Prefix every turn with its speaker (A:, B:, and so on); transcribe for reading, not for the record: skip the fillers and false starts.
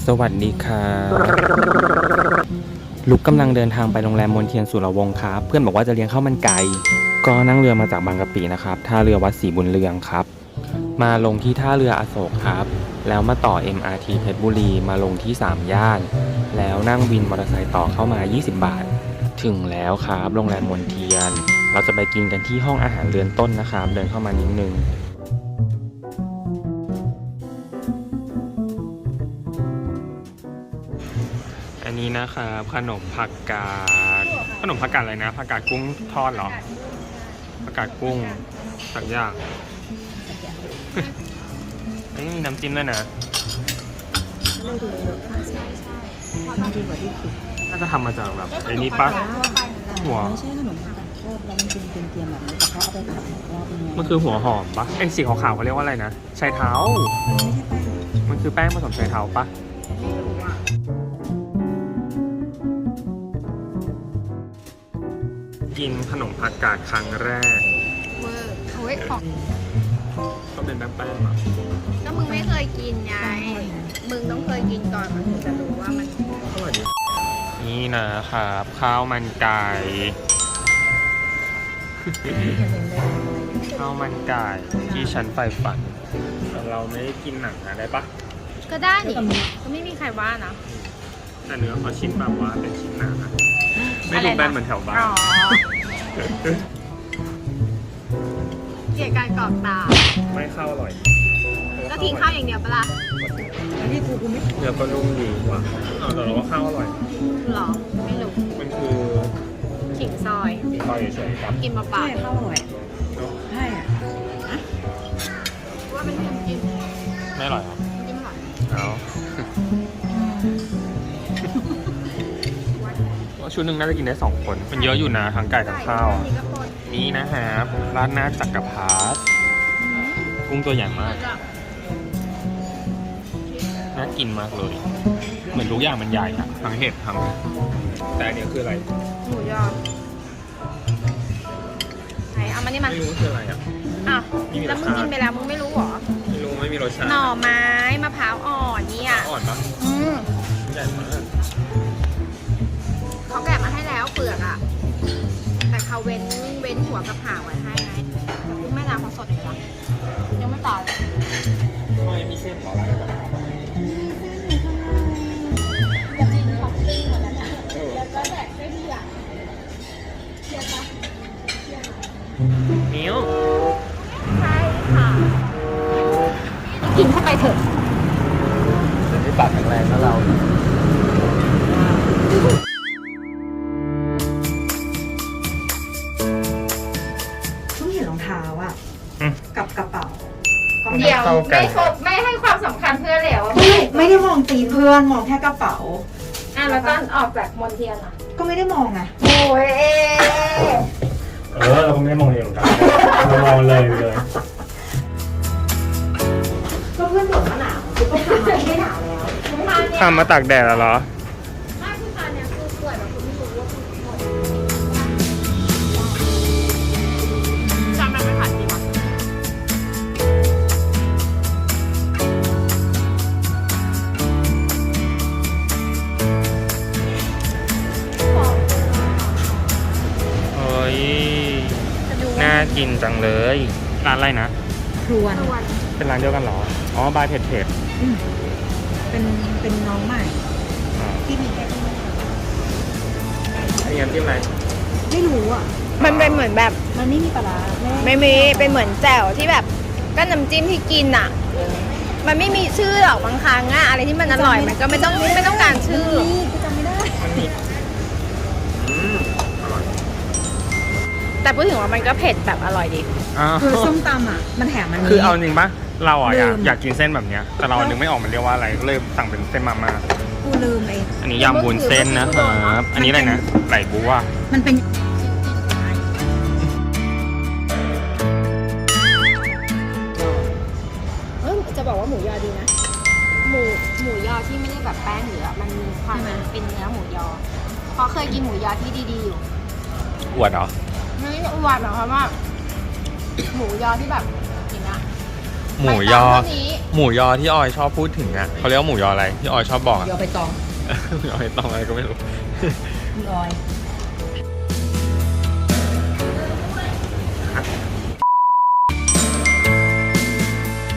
A: สวัสดีครับลุกกำลังเดินทางไปโรงแรมมนเทียนสุรวงศ์ครับเพื่อนบอกว่าจะเลี้ยงข้าวมันไก่ก็นั่งเรือมาจากบางกะปินะครับท่าเรือวัดศรีบุญเรืองครับมาลงที่ท่าเรืออโศกครับแล้วมาต่อ MRT เพชรบุรีมาลงที่3ย่านแล้วนั่งวินมอเตอร์ไซค์ต่อเข้ามา20 บาทถึงแล้วครับโรงแรมมนเทียนเราจะไปกินกันที่ห้องอาหารเรือนต้นนะครับเดินเข้ามานิดนึงอันนี้นะครับขนมผักกาดอะไรนะผักกาดกุ้งทอดเหรอผักกาดกุ้งสักอย่างอันนี้มีน้ำจิ้มด้วยนะน่าจะทำมาจากแบบไอ้นี่ปะหัว
B: ไม่ใช่ขนมผักกาดทอดแล้วมันเป็นเกรียมๆแบบนี้แต่เขาเอาไปผัดอีกรอบนึง
A: มันคือหัวหอมปะไอ้สีขาวๆเขาเรียกว่าอะไรนะชายเท้ามันคือแป้งผสมชายเท้าปะกินขนมผักกาดครั้งแรก
C: เวอร์โอ้ยของ
A: ก็เป็นแป้งๆอ่ะ
C: ก็มึงไม่เคยกินไง มึงต้องเคยกินก่อนมันถึงจะรู้ว่ามัน
A: อร่อยดีนี่นะครับข้าวมันไก่ข้าวมันไก่ที่ฉันใฝ่ฝันแต่เราไม่ได้กินหนังนะได้ปะ
C: ก็ได้นี่ก็ไม่มีใครว่านะ
A: แต่เนื้อเขาชิ้นแบบว่าเป็นชิ้นหนาไม่ดูแบนเหมือนแถวบ้าน
C: อ๋อเกลียดการกรอกตา
A: ไม่ข้าวอร่อย
C: ก็ทิ้งข้าวอย่างเดียวปะล่ะ
B: อันนี้กูไม่
A: เนื้อก็นุ่มดีว่ะแต่เราว่าข้าวอร่อย
C: หรอ ไม่รู้
A: มันคือ
C: ขิงซอย
A: ซอยเฉยๆครับ
C: กินมาเปล่า
B: ใช่ข้าวอร่อยใช่อ่ะ
C: ว่าเป็นน้ำจิ้ม
A: ไม่อร่อยครับ
C: น้ำจิ้มอร่อย
A: เอาว่าชุดหนึ่งน่าจะกินได้2 คนมันเยอะอยู่นะทั้งไก่ทั้งข้าวอะ
C: นี่ก็ปน
A: นี่นะฮะร้านหน้าจักรพรรดิกุ้งตัวใหญ่มากน่ากินมากเลย เหมือนทุกอย่างมันใหญ่อะทั้งเห็ดทั้งแต่อันนี้คืออะไร
C: หมูยอไหนเอามานี่มา
A: ไม่รู้ว่าคืออะไรอ่ะ
C: อ้าวแล้วมึงกินไปแล้วมึงไม่รู้เหรอ
A: ไม่รู้ไม่มีรสชาติ
C: หน่อไม้มะพร้าวอ่อนเนี่ย
A: อ่อนปะ
C: ม
A: ใหญ่มาก
C: เขาแกะมาให้แล้วเปลือกอ่ะ แต่เขาเว้นหัวกับหางไว้ให้ไงแต่กุ้งแม่น้ำเขาสดอยู่นะยังไม่ตายเลย
A: ไม่มีเส้นหรออะไรแบบ
C: จะกินของปิ้งหมดแล้วนะแล้วก็แดกได้ดีอ่ะเชียร์ปะ
A: นิ้ว
C: ใช่ค่ะกินเข้าไปเถอะ
A: จะได้ปากแข็งแรงนะเรา
B: ต้องเห็นรองเท้าอ่ะกับกระเป๋า
C: เดี๋ยวไม่ให้ความสำคัญเพื่อนเหลว
B: ไม่ได้มองตีนเพื่อนมองแค่กระเป๋า
C: แล้วตอนออกจากมณฑลอ่ะ
B: ก็ไม่ได้มองไง
C: โอ้ย
A: เราก็ไม่ได้มองเองกันเรามองเลย
B: ก็เพื่อนบอกว่าหนาวกูก็ทำไม่หนาวแล้ว
A: ทำมาตากแดดแล้วเหรอ
C: ไม่คือตอนเนี้ยคือป่วยแบบคุณไม่รู้ว่าคุณป่วยจำมันไม่ผ่านดีป่ะ
A: เฮ้ย น่ากินจังเลย ร้านอะไรนะ
B: ครวน
A: เป็นร้านเดียวกันเหรอ อ๋อบายเผ็ด
B: เป็นน้องใหม่ที่มีแค่
A: อันนี้น้ำจิ้มอะไร
B: ไม่รู้อ่ะ
C: มันเป็นเหมือนแบบ
B: มันไม่มีปลาร้า
C: ไม่มีเป็นเหมือนแจ่วที่แบบก็น้ำจิ้มที่กินอ่ะ มันไม่มีชื่อหรอกบางครั้งอะอะไรที่มันอร่อยมันก็ไม่ต้องการชื่อ
B: กูจำไม่ได้
A: อร่อย
C: แต่พูดถึงว่ามันก็เผ็ดแบบอร่อยดี
B: คือส้มตำอ่ะมันแถมมัน
A: คือเอาจริงปะเราอ่ะอยาก
B: ลืม
A: อยากกินเส้นแบบเนี้ย แต่เรานึกไม่ออกมันเรียกว่าอะไร ก็เลยสั่งเป็นเส้นมาม่า
B: กูลืมไอ้
A: อันนี้ยำวุ้นเส้นนะครับ อันนี้อะไรนะ ไหลบัว
B: มันเป็น
C: จะบอกว่าหมูยอดีนะ หมูยอที่ไม่ได้แบบแป้งหรือมันมีความเป็นเนื้อหมูยอเพราะเคยกินหมูยอที่ดีๆอยู่
A: อวดเหรอ
C: ไม่ได้อวดหรอกเพราะว่าหมูยอที่แบบอย่างเงี้ย
A: หมูยอ
C: ไปตามเท่านี้
A: หมูยอที่ออยชอบพูดถึงอ่ะเขาเรียกว่าหมูยออะไรที่ออยชอบบอกอะ
B: ยอไปตอง
A: หมูยอไอ้ตองอะไรก็ไม่รู้
B: คุณออย
A: อ